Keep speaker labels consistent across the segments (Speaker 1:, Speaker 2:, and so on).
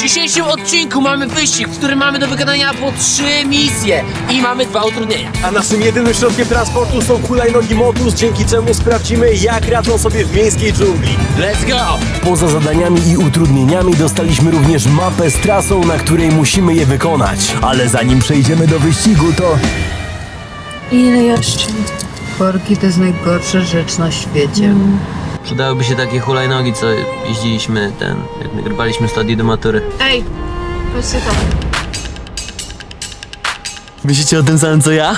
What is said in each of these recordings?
Speaker 1: dzisiejszym odcinku mamy wyścig, w którym mamy do wykonania po 3 misje i mamy 2 utrudnienia.
Speaker 2: A naszym jedynym środkiem transportu są hulajnogi Motus, dzięki czemu sprawdzimy, jak radzą sobie w miejskiej dżungli.
Speaker 1: Let's go!
Speaker 3: Poza zadaniami i utrudnieniami dostaliśmy również mapę z trasą, na której musimy je wykonać. Ale zanim przejdziemy do wyścigu, to...
Speaker 4: Ile jeszcze? Korki to jest najgorsza rzecz na świecie.
Speaker 5: Przydałyby się takie hulajnogi, co jeździliśmy jak nagrywaliśmy studię do matury.
Speaker 4: Ej, patrzcie to.
Speaker 3: Myślicie o tym samym co ja?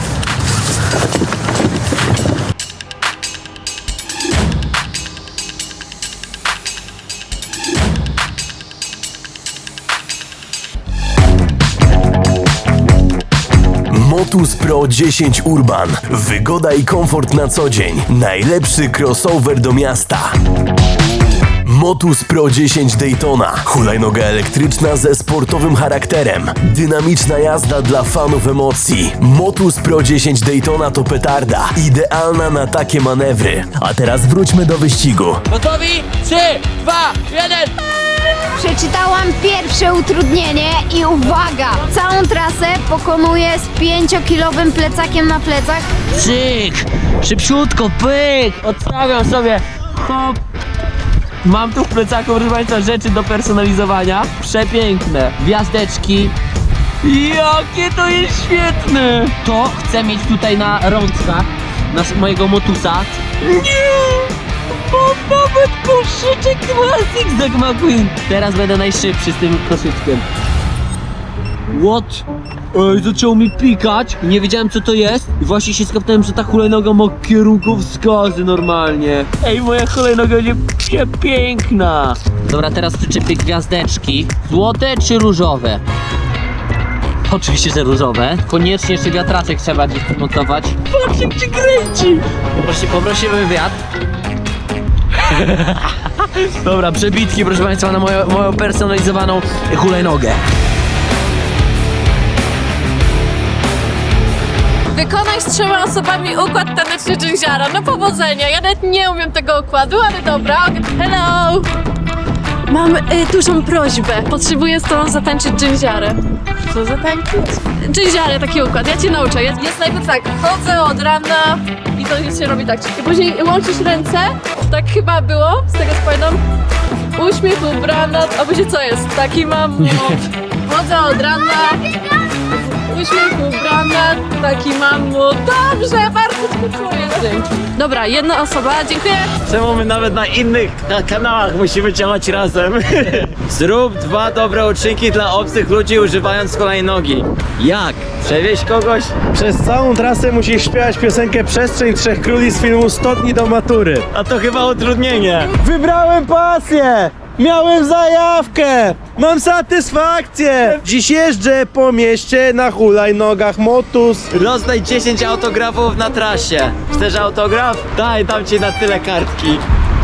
Speaker 3: Motus Pro 10 Urban. Wygoda i komfort na co dzień. Najlepszy crossover do miasta. Motus Pro 10 Daytona. Hulajnoga elektryczna ze sportowym charakterem. Dynamiczna jazda dla fanów emocji. Motus Pro 10 Daytona to petarda. Idealna na takie manewry. A teraz wróćmy do wyścigu.
Speaker 1: Gotowi? 3, 2, 1!
Speaker 6: Przeczytałam pierwsze utrudnienie i uwaga! Całą trasę pokonuję z 5-kilowym plecakiem na plecach.
Speaker 1: Cyk! Szybciutko, pyk! Odstawiam sobie. Hop! Mam tu w plecaku, proszę Państwa, rzeczy do personalizowania. Przepiękne. Gwiazdeczki. Jakie to jest świetne! To chcę mieć tutaj na rączkach mojego Motusa. Nie! Mam nawet koszyczek Classic Zack McQueen. Teraz będę najszybszy z tym koszyczkiem. What? Ej, zaczął mi pikać. Nie wiedziałem co to jest. I właśnie się skapnąłem, że ta hulajnoga ma kierunkowskazy normalnie. Ej, moja hulajnoga będzie przepiękna. Dobra, teraz przyczepię gwiazdeczki. Złote czy różowe? Oczywiście, że różowe. Koniecznie jeszcze wiatraczek trzeba gdzieś przymontować. Patrz jak się kręci. Poprosimy wiatr. Dobra, przebitki, proszę Państwa, na moją personalizowaną hulajnogę.
Speaker 7: Wykonaj z 3 osobami układ taneczny dżęziara. No powodzenia, ja nawet nie umiem tego układu, ale dobra. Hello! Mam dużą prośbę. Potrzebuję z tobą zatańczyć dżęziarę. Co zatańczyć? Dżęziarę, taki układ. Ja cię nauczę. Jest najpierw tak, chodzę od rana i to się robi tak. I później łączysz ręce, tak chyba było, z tego co pamiętam. Uśmiech, ubrana, a później co jest? Taki mam chodzę od rana. Uśmiech, ubrana, taki mam dobrze, bardzo dziękuję. Dzięki. Dobra, jedna osoba, dziękuję.
Speaker 8: Czemu my nawet na innych kanałach musimy działać razem? Zrób 2 dobre uczynki dla obcych ludzi używając hulajnogi. Jak? Przewieźć kogoś?
Speaker 2: Przez całą trasę musisz śpiewać piosenkę Przestrzeń Trzech Króli z filmu 100 dni do matury.
Speaker 8: A to chyba utrudnienie.
Speaker 2: Wybrałem pasję! Miałem zajawkę! Mam satysfakcję! Dziś jeżdżę po mieście na hulajnogach Motus.
Speaker 8: Rozdaj 10 autografów na trasie. Chcesz autograf? Dam ci na tyle kartki.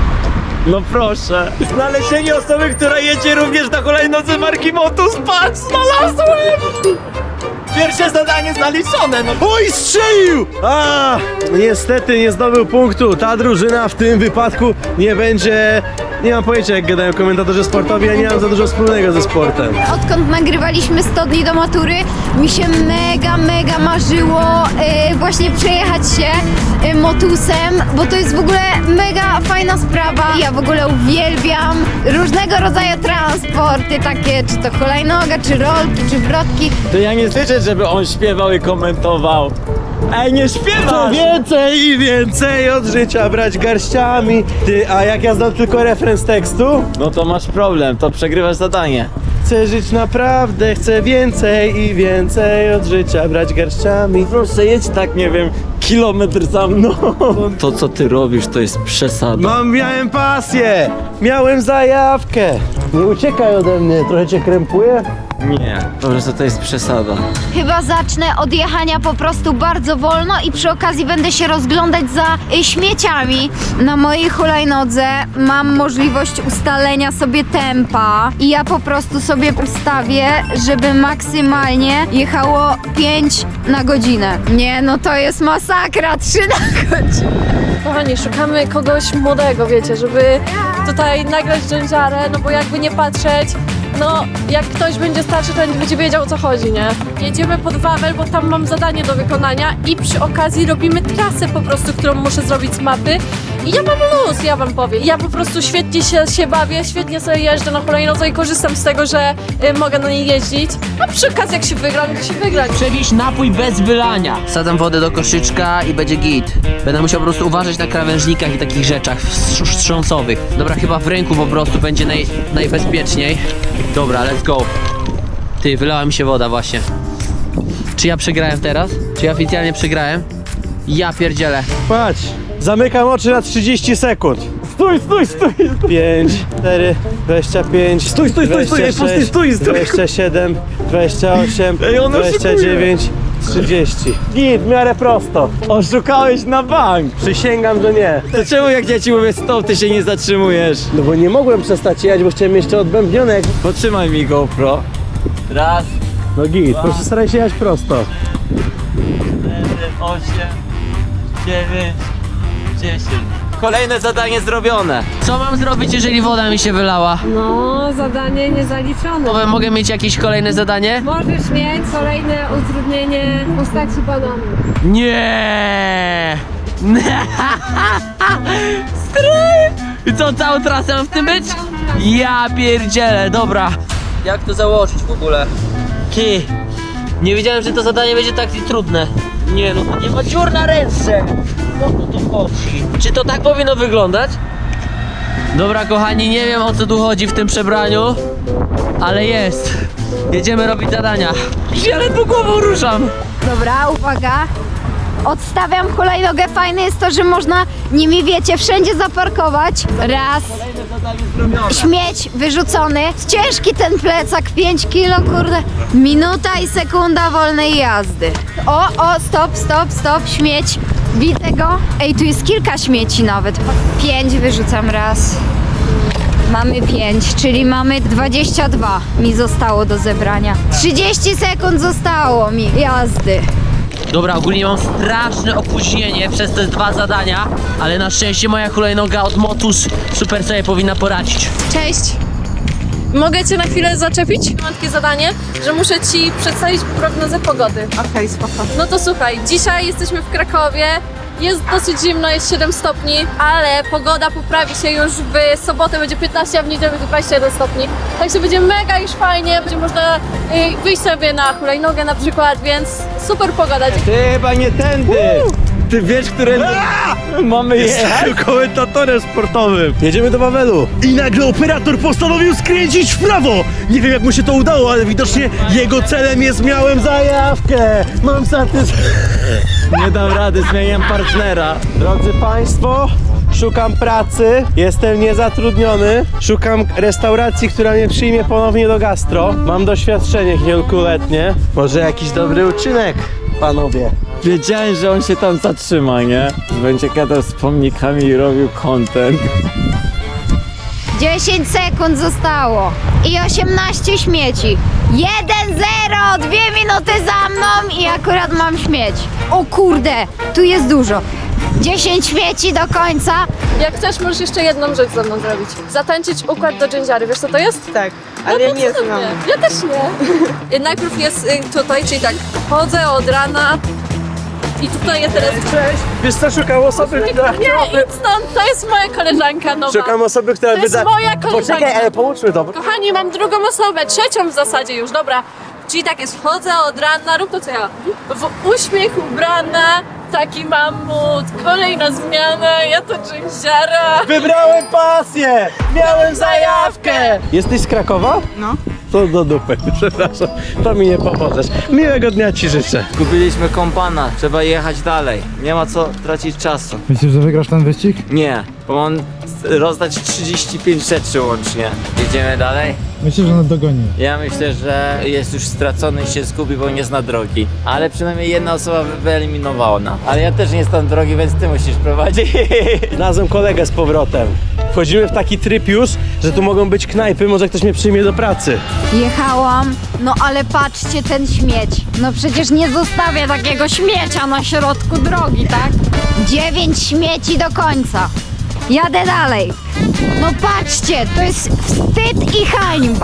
Speaker 8: No proszę. Znalezienie osoby, która jedzie również na hulajnodze marki Motus. Patrz, znalazłem! Pierwsze zadanie zaliczone, no.
Speaker 2: Oj, strzelił! A, niestety nie zdobył punktu. Ta drużyna w tym wypadku nie będzie... Nie mam pojęcia, jak gadają komentatorzy sportowi, ja nie mam za dużo wspólnego ze sportem.
Speaker 6: Odkąd nagrywaliśmy 100 dni do matury, mi się mega marzyło właśnie przejechać się Motusem, bo to jest w ogóle mega fajna sprawa. Ja w ogóle uwielbiam różnego rodzaju transporty, takie czy to hulajnoga, czy rolki, czy wrotki.
Speaker 8: To ja nie słyszę, żeby on śpiewał i komentował. Ej, nie
Speaker 2: Co
Speaker 8: śpiewasz!
Speaker 2: więcej i więcej od życia brać garściami. Ty, a jak ja znam tylko refren z tekstu?
Speaker 8: No to masz problem, to przegrywasz zadanie.
Speaker 2: Chcę żyć naprawdę, chcę więcej i więcej od życia brać garściami.
Speaker 8: Proszę, jedź tak, nie wiem, kilometr za mną. To, co ty robisz, to jest przesada.
Speaker 2: Miałem pasję, miałem zajawkę. Nie uciekaj ode mnie, trochę cię krępuje?
Speaker 8: Nie, po prostu to jest przesada.
Speaker 6: Chyba zacznę od jechania po prostu bardzo wolno i przy okazji będę się rozglądać za śmieciami. Na mojej hulajnodze mam możliwość ustalenia sobie tempa i ja po prostu sobie ustawię, żeby maksymalnie jechało 5 na godzinę. Nie, no to jest masakra, 3 na godzinę.
Speaker 7: Kochani, szukamy kogoś młodego, wiecie, żeby tutaj nagrać dżęziarę, no bo jakby nie patrzeć, no jak ktoś będzie starszy, to nie będzie wiedział, o co chodzi, nie? Jedziemy pod Wawel, bo tam mam zadanie do wykonania i przy okazji robimy trasę po prostu, którą muszę zrobić z mapy. I ja mam luz, ja wam powiem. Ja po prostu świetnie się bawię, świetnie sobie jeżdżę na hulajnodze i korzystam z tego, że mogę na niej jeździć. A przy okazji jak się wygra, no to się wygra.
Speaker 1: Przewieźć napój bez wylania. Wsadzam wodę do koszyczka i będzie git. Będę musiał po prostu uważać na krawężnikach i takich rzeczach wstrząsowych. Dobra, chyba w ręku po prostu będzie najbezpieczniej. Dobra, let's go. Ty, wylała mi się woda właśnie. Czy ja przegrałem teraz? Czy ja oficjalnie przegrałem? Ja pierdzielę.
Speaker 2: Patrz, zamykam oczy na 30 sekund.
Speaker 8: Stój!
Speaker 2: 5, 4, 25,
Speaker 8: Stój,
Speaker 2: 26,
Speaker 8: stój!
Speaker 2: 27, 28,
Speaker 8: Ej, on oszukuje.
Speaker 2: 29, 30. Git, w miarę prosto.
Speaker 8: Oszukałeś na bank!
Speaker 2: Przysięgam, że nie.
Speaker 8: To czemu jak ja ci mówię stop, ty się nie zatrzymujesz?
Speaker 2: No bo nie mogłem przestać jechać, bo chciałem jeszcze odbębnione.
Speaker 8: Potrzymaj mi GoPro. Raz,
Speaker 2: No git, po prostu staraj się jechać prosto.
Speaker 8: 8, 9, 10. Kolejne zadanie zrobione.
Speaker 1: Co mam zrobić, jeżeli woda mi się wylała?
Speaker 9: No, zadanie niezaliczone.
Speaker 1: Mogę mieć jakieś kolejne zadanie?
Speaker 9: Możesz mieć kolejne utrudnienie w postaci bananu.
Speaker 1: Nie! Stary! I co, całą trasę mam w tym być? Ja pierdzielę, dobra. Jak to założyć w ogóle? Ty, nie wiedziałem, że to zadanie będzie tak trudne. Nie no, to nie ma dziur na ręce. O co tu chodzi? Czy to tak powinno wyglądać? Dobra kochani, nie wiem o co tu chodzi w tym przebraniu, ale jest. Jedziemy robić zadania. Ja ledwo głową ruszam.
Speaker 6: Dobra, uwaga. Odstawiam hulajnogę. Fajne jest to, że można nimi, wiecie, wszędzie zaparkować. Raz. Śmieć wyrzucony. Ciężki ten plecak, 5 kilo, kurde. Minuta i sekunda wolnej jazdy. O, stop, śmieć. Widzę go. Ej, tu jest kilka śmieci nawet. 5 wyrzucam raz. Mamy 5, czyli mamy 22 mi zostało do zebrania. 30 sekund zostało mi jazdy.
Speaker 1: Dobra, ogólnie mam straszne opóźnienie przez te 2 zadania, ale na szczęście moja hulajnoga od Motus super sobie powinna poradzić.
Speaker 7: Cześć! Mogę cię na chwilę zaczepić? Mam takie zadanie, że muszę ci przedstawić prognozę pogody.
Speaker 4: Okej, spoko.
Speaker 7: No to słuchaj, dzisiaj jesteśmy w Krakowie, jest dosyć zimno, jest 7 stopni, ale pogoda poprawi się już w sobotę, będzie 15, a w niedzielę będzie 21 stopni. Także będzie mega już fajnie, będzie można wyjść sobie na hulajnogę na przykład, więc super pogoda.
Speaker 8: Ty chyba nie tędy! Ty wiesz, które mamy jechać?
Speaker 2: Jestem komentatorem sportowym. Jedziemy do Wawelu. I nagle operator postanowił skręcić w prawo. Nie wiem jak mu się to udało, ale widocznie jego celem jest miałem zajawkę. Mam
Speaker 8: Nie dam rady, zmieniam partnera.
Speaker 2: Drodzy Państwo, szukam pracy, jestem niezatrudniony, szukam restauracji, która mnie przyjmie ponownie do gastro. Mam doświadczenie kilkuletnie. Może jakiś dobry uczynek, panowie.
Speaker 8: Wiedziałem, że on się tam zatrzyma, nie? Będzie gadał z pomnikami i robił content.
Speaker 6: 10 sekund zostało i 18 śmieci. 1-0, 2 minuty za mną i akurat mam śmieć. O kurde, tu jest dużo. 10 śmieci do końca.
Speaker 7: Jak chcesz, możesz jeszcze jedną rzecz ze mną zrobić. Zatańczyć układ do dżędziary, wiesz co to jest?
Speaker 4: Tak, ale ja nie znam.
Speaker 7: Ja też nie. Najpierw jest tutaj, czyli tak, chodzę od rana i tutaj ja teraz...
Speaker 2: Wiesz co, szukam osoby, która
Speaker 7: Nie, idź stąd, to jest moja koleżanka nowa.
Speaker 2: Szukam osoby, która
Speaker 7: To jest moja koleżanka.
Speaker 2: Poczekaj, ale pomóżmy, dobra?
Speaker 7: Kochani, mam drugą osobę, trzecią w zasadzie już, dobra. Czyli tak jest, chodzę od rana, rób to co ja. W uśmiech ubrana, taki mam mód, kolejna zmiana, ja to dżęziara.
Speaker 2: Wybrałem pasję! Miałem zajawkę! Jesteś z Krakowa? No. To do dupy, przepraszam. To mi nie pomożesz. Miłego dnia ci życzę.
Speaker 8: Kupiliśmy kompana, trzeba jechać dalej. Nie ma co tracić czasu.
Speaker 10: Myślisz, że wygrasz ten wyścig?
Speaker 8: Nie, bo mam rozdać 35 rzeczy łącznie. Jedziemy dalej?
Speaker 10: Myślę, że nas dogoni.
Speaker 8: Ja myślę, że jest już stracony i się zgubi, bo nie zna drogi. Ale przynajmniej jedna osoba wyeliminowała. Ale ja też nie znam drogi, więc ty musisz prowadzić.
Speaker 2: Znalazłem kolegę z powrotem. Wchodzimy w taki tryb już, że tu mogą być knajpy, może ktoś mnie przyjmie do pracy.
Speaker 6: Jechałam, no ale patrzcie ten śmieć. No przecież nie zostawię takiego śmiecia na środku drogi, tak? 9 śmieci do końca. Jadę dalej. No patrzcie, to jest wstyd i hańba.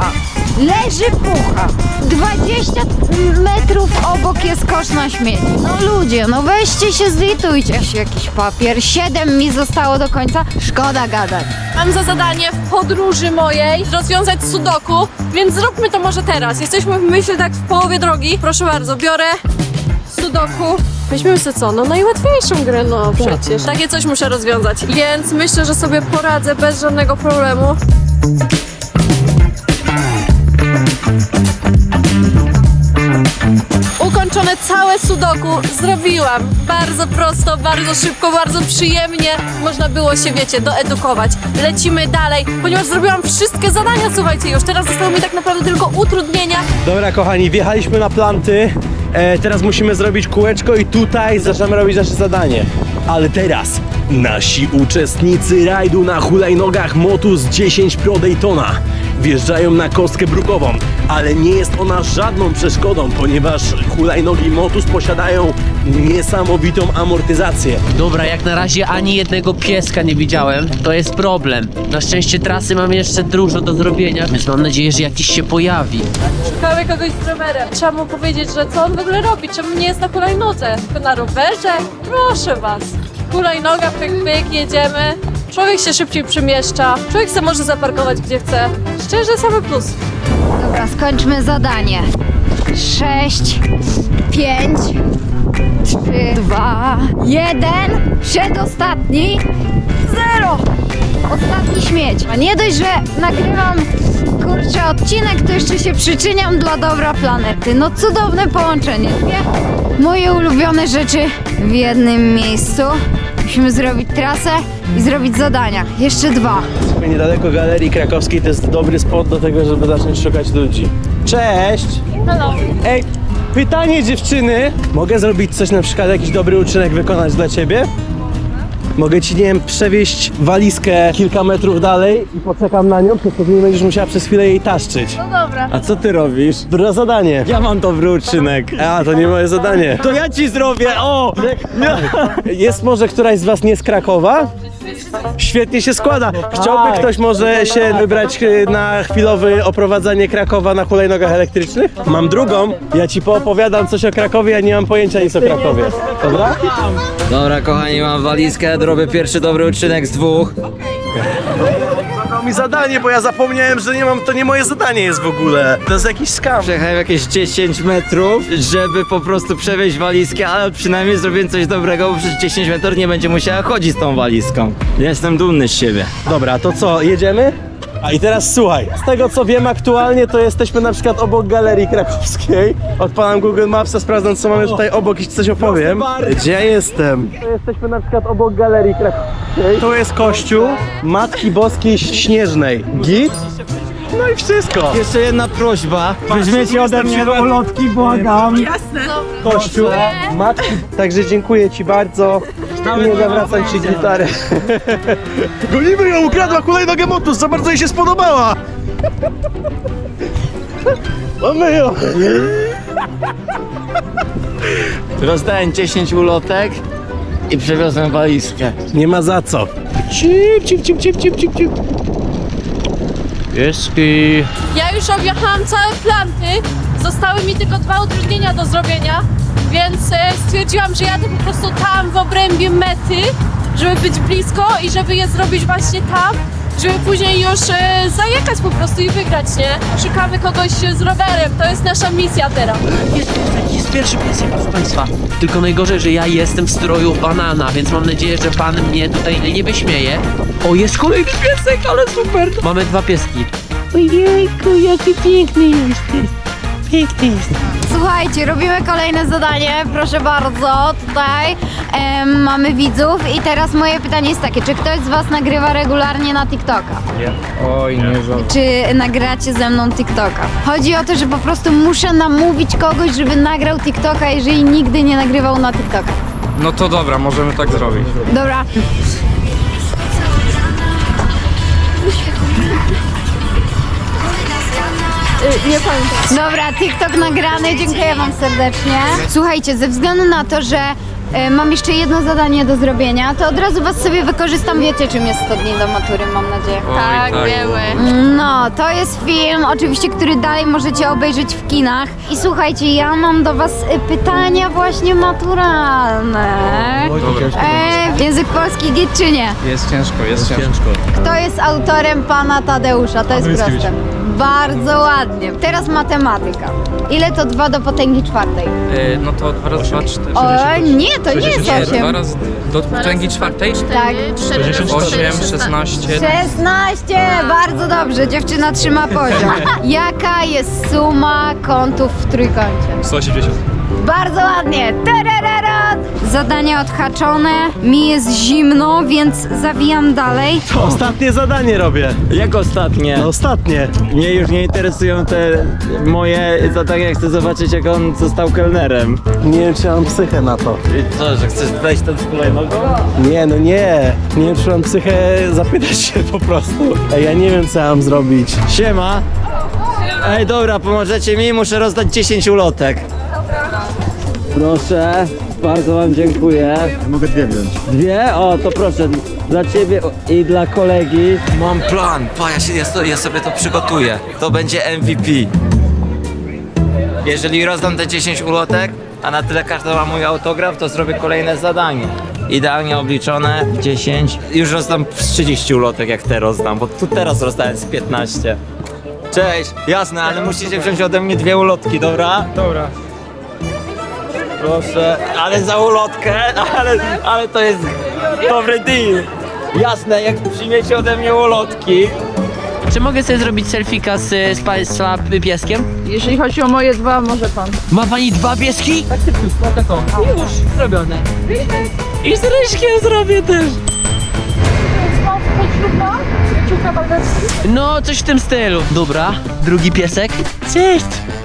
Speaker 6: leży pucha. 20 metrów obok jest kosz na śmieci. No ludzie, no weźcie się, zlitujcie. Jakiś papier. 7 mi zostało do końca. Szkoda gadać.
Speaker 7: Mam za zadanie w podróży mojej rozwiązać sudoku, więc zróbmy to może teraz. Jesteśmy, myślę, tak w połowie drogi. Proszę bardzo, biorę sudoku. Weźmiemy sobie co? No najłatwiejszą grę, no przecież. Takie coś muszę rozwiązać, więc myślę, że sobie poradzę bez żadnego problemu. Ukończone całe sudoku zrobiłam. Bardzo prosto, bardzo szybko, bardzo przyjemnie. Można było się, wiecie, doedukować. Lecimy dalej, ponieważ zrobiłam wszystkie zadania, słuchajcie, już teraz zostały mi tak naprawdę tylko utrudnienia.
Speaker 2: Dobra kochani, wjechaliśmy na planty. Teraz musimy zrobić kółeczko i tutaj zaczynamy robić nasze zadanie. Ale teraz nasi uczestnicy rajdu na hulajnogach Motus 10 Pro Daytona wjeżdżają na kostkę brukową, ale nie jest ona żadną przeszkodą, ponieważ hulajnogi Motus posiadają niesamowitą amortyzację.
Speaker 1: Dobra, jak na razie ani jednego pieska nie widziałem, to jest problem. Na szczęście trasy mam jeszcze dużo do zrobienia, więc mam nadzieję, że jakiś się pojawi.
Speaker 7: Szukamy kogoś z rowerem. Trzeba mu powiedzieć, że co on w ogóle robi, czemu nie jest na hulajnodze, tylko na rowerze. Proszę was. Hulajnoga, pyk, pyk, jedziemy. Człowiek się szybciej przemieszcza, człowiek se może zaparkować gdzie chce. Szczerze, same plus.
Speaker 6: Dobra, skończmy zadanie. 6, 5, 3, 2, 1. Przedostatni. 0. Ostatni śmieć. A nie dość, że nagrywam kurczę odcinek, to jeszcze się przyczyniam dla dobra planety. No cudowne połączenie. Moje ulubione rzeczy w jednym miejscu. Musimy zrobić trasę i zrobić zadania. Jeszcze 2.
Speaker 2: Niedaleko Galerii Krakowskiej to jest dobry spot do tego, żeby zacząć szukać ludzi. Cześć!
Speaker 7: Hello.
Speaker 2: Ej, pytanie dziewczyny. Mogę zrobić coś, na przykład jakiś dobry uczynek wykonać dla ciebie? Mogę ci, nie wiem, przewieźć walizkę kilka metrów dalej i poczekam na nią, przez to nie będziesz musiała przez chwilę jej taszczyć.
Speaker 7: No dobra.
Speaker 8: A co ty robisz?
Speaker 2: Dobre zadanie.
Speaker 8: Ja mam dobry uczynek.
Speaker 2: A, to nie moje zadanie.
Speaker 8: To ja ci zrobię, o!
Speaker 2: Jest może któraś z was nie z Krakowa? Świetnie się składa. Chciałby ktoś może się wybrać na chwilowe oprowadzanie Krakowa na hulajnogach elektrycznych? Mam drugą. Ja ci poopowiadam coś o Krakowie, ja nie mam pojęcia nic o Krakowie. Dobra?
Speaker 8: Dobra kochani, mam walizkę, robię pierwszy dobry uczynek z 2.
Speaker 2: Zadał mi zadanie, bo ja zapomniałem, że nie mam, to nie moje zadanie jest w ogóle. To jest jakiś skam.
Speaker 8: Przejechałem jakieś 10 metrów, żeby po prostu przewieźć walizkę, ale przynajmniej zrobiłem coś dobrego, bo przez 10 metrów nie będzie musiała chodzić z tą walizką. Jestem dumny z siebie.
Speaker 2: Dobra, to co, jedziemy? A i teraz słuchaj, z tego co wiem aktualnie, to jesteśmy na przykład obok Galerii Krakowskiej. Odpalam Google Mapsa, sprawdzam co mamy tutaj obok i ci coś opowiem. Gdzie ja jestem? To jesteśmy na przykład obok Galerii Krakowskiej. Tu jest kościół Matki Boskiej Śnieżnej. Git? No i wszystko.
Speaker 8: Jeszcze jedna prośba. Weźmiecie ode mnie ulotki, błagam.
Speaker 2: Kościół Matki. Także dziękuję ci bardzo. Nie zawracam ci gitarę. Gonimy ją, ukradła hulajnogę Motus, za bardzo jej się spodobała. Mamy ją.
Speaker 8: Rozdałem 10 ulotek i przewiozłem walizkę.
Speaker 2: Nie ma za co. Cip, cip, cip, cip, cip, cip, cip.
Speaker 1: Pieski.
Speaker 7: Ja już objechałam całe planty, zostały mi tylko 2 utrudnienia do zrobienia, więc stwierdziłam, że jadę po prostu tam w obrębie mety, żeby być blisko i żeby je zrobić właśnie tam, żeby później już zajechać po prostu i wygrać, nie? Szukamy kogoś z rowerem, to jest nasza misja teraz.
Speaker 1: Jest pierwszy pies, proszę państwa. Tylko najgorzej, że ja jestem w stroju banana, więc mam nadzieję, że pan mnie tutaj nie wyśmieje. O, jest kolejny piesek, ale super. Mamy 2 pieski. Ojejku, jaki piękny jesteś. Piękny jest.
Speaker 6: Słuchajcie, robimy kolejne zadanie, proszę bardzo, tutaj mamy widzów i teraz moje pytanie jest takie, czy ktoś z was nagrywa regularnie na TikToka?
Speaker 10: Oj, nie za.
Speaker 6: Czy nagracie ze mną TikToka? Chodzi o to, że po prostu muszę namówić kogoś, żeby nagrał TikToka, jeżeli nigdy nie nagrywał na TikToka.
Speaker 10: No to dobra, możemy tak zrobić.
Speaker 6: Dobra.
Speaker 7: Nie pamiętam.
Speaker 6: Dobra, TikTok nagrany, dziękuję wam serdecznie. Słuchajcie, ze względu na to, że mam jeszcze jedno zadanie do zrobienia, to od razu was sobie wykorzystam. Wiecie, czym jest 100 dni do matury, mam nadzieję.
Speaker 7: Tak, wiemy.
Speaker 6: No, to jest film, oczywiście, który dalej możecie obejrzeć w kinach. I słuchajcie, ja mam do was pytania właśnie maturalne. Język polski git czy nie?
Speaker 10: Jest ciężko, jest ciężko.
Speaker 6: Kto jest autorem pana Tadeusza? To jest proste. Bardzo ładnie. Teraz matematyka. Ile to 2 do potęgi czwartej?
Speaker 10: No to 2 razy 2, 4.
Speaker 6: O, nie, to nie jest
Speaker 10: 2
Speaker 6: 8.
Speaker 10: razy do potęgi czwartej?
Speaker 6: Tak.
Speaker 10: 8, 16.
Speaker 6: 16! Bardzo dobrze, dziewczyna trzyma poziom. Jaka jest suma kątów w trójkącie?
Speaker 10: 180.
Speaker 6: Bardzo ładnie! Tarararat! Zadania odhaczone, mi jest zimno, więc zawijam dalej.
Speaker 2: Ostatnie zadanie robię.
Speaker 8: Jak ostatnie?
Speaker 2: No ostatnie.
Speaker 8: Mnie już nie interesują te moje zadania, chcę zobaczyć jak on został kelnerem.
Speaker 2: Nie wiem, czy mam psychę na to.
Speaker 8: I co, że chcesz wejść tam z hulajnogą?
Speaker 2: Nie, no nie. Nie wiem, czy mam psychę zapytać się po prostu. Ej, ja nie wiem, co mam zrobić.
Speaker 8: Siema. Ej, dobra, pomożecie mi? Muszę rozdać 10 ulotek. Proszę, bardzo wam dziękuję.
Speaker 2: Mogę 2 wziąć.
Speaker 8: 2? O, to proszę, dla ciebie i dla kolegi.
Speaker 5: Mam plan, ja sobie to przygotuję. To będzie MVP. Jeżeli rozdam te 10 ulotek, a na tyle każda ma mój autograf, to zrobię kolejne zadanie. Idealnie obliczone, 10. Już rozdam z 30 ulotek, jak te rozdam, bo tu teraz rozdałem z 15. Cześć, jasne, ale musicie wziąć ode mnie 2 ulotki, dobra?
Speaker 10: Dobra.
Speaker 8: Proszę, ale za ulotkę, ale to jest dobry deal. Jasne, jak przyjmiecie ode mnie ulotki.
Speaker 1: Czy mogę sobie zrobić selfika z państwa pieskiem?
Speaker 4: Jeżeli chodzi o moje 2, może pan.
Speaker 1: Ma pani 2 pieski? Tak szybciutko, taką. Już, zrobione. I z Ryśkiem zrobię też. No, coś w tym stylu. Dobra, drugi piesek. Cześć.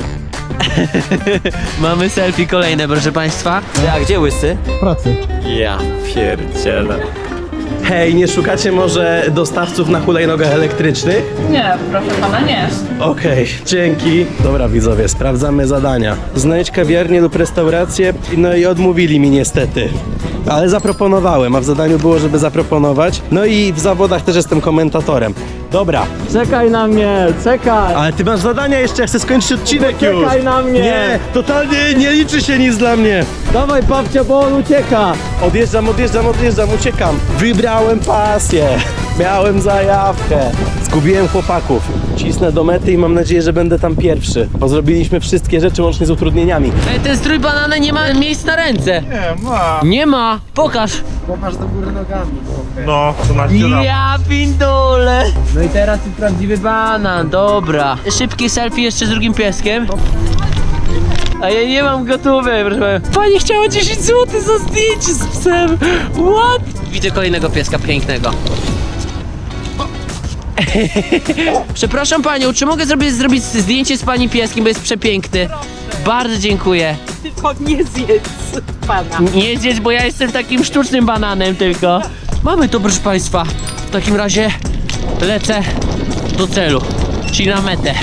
Speaker 1: Mamy selfie kolejne, proszę państwa.
Speaker 5: A gdzie łysy?
Speaker 2: Pracy.
Speaker 5: Ja pierdzielę.
Speaker 2: Hej, nie szukacie może dostawców na hulajnogach elektrycznych?
Speaker 4: Nie, proszę pana, nie.
Speaker 2: Okej, dzięki. Dobra widzowie, sprawdzamy zadania. Znajdź kawiarnię lub restaurację, no i odmówili mi niestety. Ale zaproponowałem, a w zadaniu było, żeby zaproponować. No i w zawodach też jestem komentatorem. Dobra,
Speaker 8: Czekaj na mnie, czekaj.
Speaker 2: ale ty masz zadania jeszcze, ja chcę skończyć odcinek już.
Speaker 8: Czekaj na mnie.
Speaker 2: Nie, totalnie nie liczy się nic dla mnie.
Speaker 8: Dawaj babcia, bo on ucieka.
Speaker 2: Odjeżdżam, uciekam. Wybrałem pasję. Miałem zajawkę. Zgubiłem chłopaków. Cisnę do mety i mam nadzieję, że będę tam pierwszy. Bo zrobiliśmy wszystkie rzeczy łącznie z utrudnieniami.
Speaker 1: Ej, ten strój banana nie ma miejsc na ręce. Nie ma. Nie ma. Pokaż.
Speaker 2: No, to na
Speaker 1: Ja pindole. No i teraz jest prawdziwy banan, dobra. Szybkie selfie jeszcze z drugim pieskiem. A ja nie mam gotowe, proszę pana. Pani chciała 10 zł za zdjęcie z psem. What? Widzę kolejnego pieska pięknego. Przepraszam panią, czy mogę zrobić zdjęcie z pani pieskiem, bo jest przepiękny? Bardzo dziękuję.
Speaker 4: Tylko nie zjedz pana.
Speaker 1: Nie zjedz, bo ja jestem takim sztucznym bananem tylko. Mamy to, proszę państwa. W takim razie lecę do celu, czyli na metę.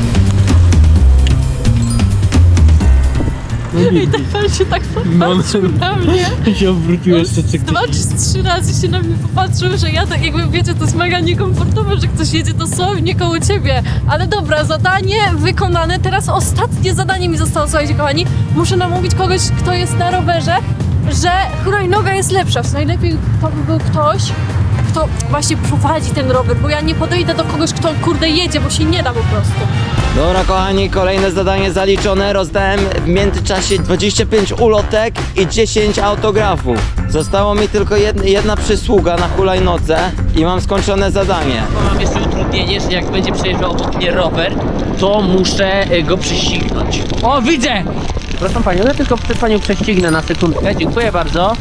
Speaker 7: Pan się tak popatrzył na mnie.
Speaker 1: się obrócił jeszcze
Speaker 7: 2 czy 3 razy się na mnie popatrzył, że ja tak jakby, wiecie, to jest mega niekomfortowe, że ktoś jedzie dosłownie koło ciebie. Ale dobra, zadanie wykonane. Teraz ostatnie zadanie mi zostało, słuchajcie kochani. Muszę namówić kogoś, kto jest na rowerze, że hulajnoga jest lepsza. Najlepiej to by był ktoś, kto właśnie prowadzi ten rower, bo ja nie podejdę do kogoś, kto kurde jedzie, bo się nie da po prostu.
Speaker 8: Dobra kochani, kolejne zadanie zaliczone. Rozdałem w międzyczasie 25 ulotek i 10 autografów. Zostało mi tylko jedna przysługa na hulajnodze i mam skończone zadanie.
Speaker 1: Mam jeszcze utrudnienie, że jak będzie przejeżdżał obok mnie rower, to muszę go prześcignąć. O, widzę! Proszę panią, ja tylko przed panią prześcignę na sekundkę. Dziękuję bardzo.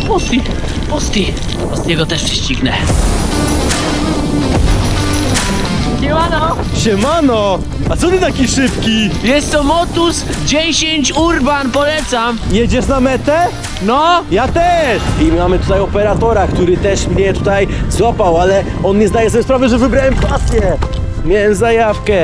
Speaker 1: Postiego też prześcignę. Siemano!
Speaker 2: Siemano! A co ty taki szybki?
Speaker 1: Jest to Motus 10 Urban, polecam!
Speaker 2: Jedziesz na metę?
Speaker 1: No!
Speaker 2: Ja też! I mamy tutaj operatora, który też mnie tutaj złapał, ale on nie zdaje sobie sprawy, że wybrałem pasję. Miałem zajawkę.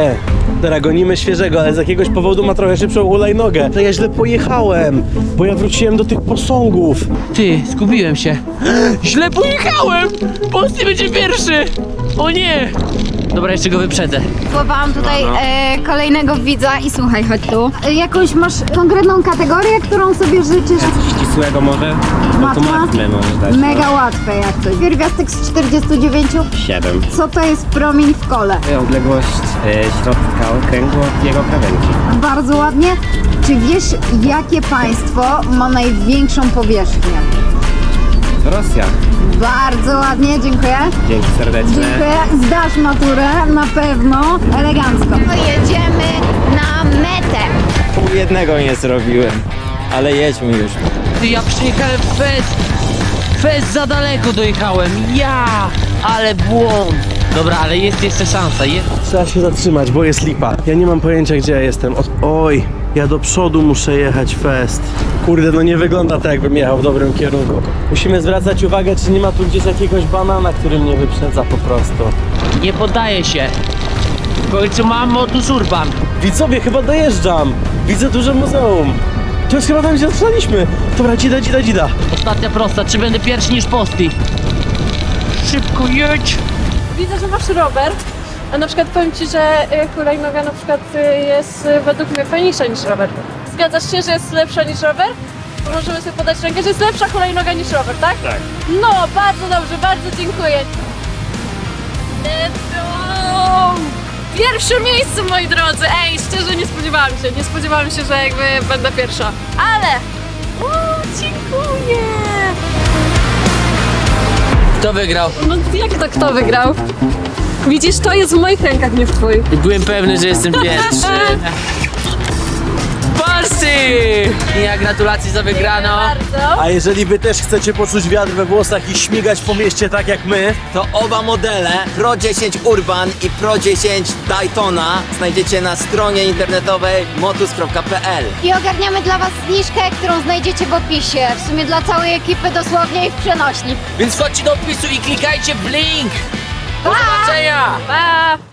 Speaker 2: Dobra, gonimy świeżego, ale z jakiegoś powodu ma trochę szybszą hulajnogę. To ja źle pojechałem, bo ja wróciłem do tych posągów.
Speaker 1: Ty, zgubiłem się. Źle pojechałem! Posty będzie pierwszy! O nie! Dobra, jeszcze go wyprzedzę.
Speaker 6: Wywołałam tutaj kolejnego widza i słuchaj, chodź tu. Jakąś masz konkretną kategorię, którą sobie życzysz?
Speaker 8: Ścisłego może?
Speaker 6: Łatwa?
Speaker 8: możesz dać.
Speaker 6: Mega łatwe jak coś. Pierwiastek z 49?
Speaker 8: 7.
Speaker 6: Co to jest promień w kole?
Speaker 8: Odległość środka okręgu od jego krawędzi.
Speaker 6: Bardzo ładnie. Czy wiesz, jakie państwo ma największą powierzchnię?
Speaker 8: Rosja.
Speaker 6: Bardzo ładnie, dziękuję.
Speaker 8: Dzięki serdeczne.
Speaker 6: Dziękuję. Zdasz maturę, na pewno. Elegancko. Jedziemy na metę.
Speaker 5: Pół jednego nie zrobiłem, ale jedźmy już.
Speaker 1: Ty, ja przyjechałem fest za daleko dojechałem. Ja! Ale błąd. Dobra, ale jest jeszcze szansa.
Speaker 2: Trzeba się zatrzymać, bo jest lipa. Ja nie mam pojęcia, gdzie ja jestem. Oj, ja do przodu muszę jechać fest. Kurde, no nie wygląda tak, jakbym jechał w dobrym kierunku. Musimy zwracać uwagę, czy nie ma tu gdzieś jakiegoś banana, który mnie wyprzedza po prostu.
Speaker 1: Nie poddaję się. W końcu mam Motus Urban.
Speaker 2: Widzowie, chyba dojeżdżam. Widzę duże muzeum. To jest chyba tam, gdzie zatrzymaliśmy. Dobra, dzida.
Speaker 1: Ostatnia prosta, czy będę pierwszy niż Posty? Szybko jedź!
Speaker 7: Widzę, że masz rower, a na przykład powiem Ci, że hulajnoga na przykład jest według mnie fajniejsza niż rower. Zgadzasz się, że jest lepsza niż rower? Możemy sobie podać rękę, że jest lepsza hulajnoga niż rower, tak? Tak. No, bardzo dobrze, bardzo dziękuję. Let's go! Pierwsze miejsce, moi drodzy! Ej, szczerze nie spodziewałam się, że jakby będę pierwsza. Ale... dziękuję!
Speaker 1: Kto wygrał?
Speaker 7: No jak to kto wygrał? Widzisz, to jest w moich rękach, nie w twoich.
Speaker 1: Byłem pewny, że jestem pierwszy. Posty! Ja gratulacje za wygraną.
Speaker 7: Bardzo.
Speaker 2: A jeżeli wy też chcecie poczuć wiatr we włosach i śmigać po mieście tak jak my,
Speaker 5: To oba modele Pro 10 Urban i Pro 10 Daytona znajdziecie na stronie internetowej motus.pl.
Speaker 6: I ogarniamy dla Was zniżkę, którą znajdziecie w opisie. W sumie dla całej ekipy dosłownie i w przenośni.
Speaker 1: Więc chodźcie do opisu i klikajcie w link. Do zobaczenia!
Speaker 7: Pa!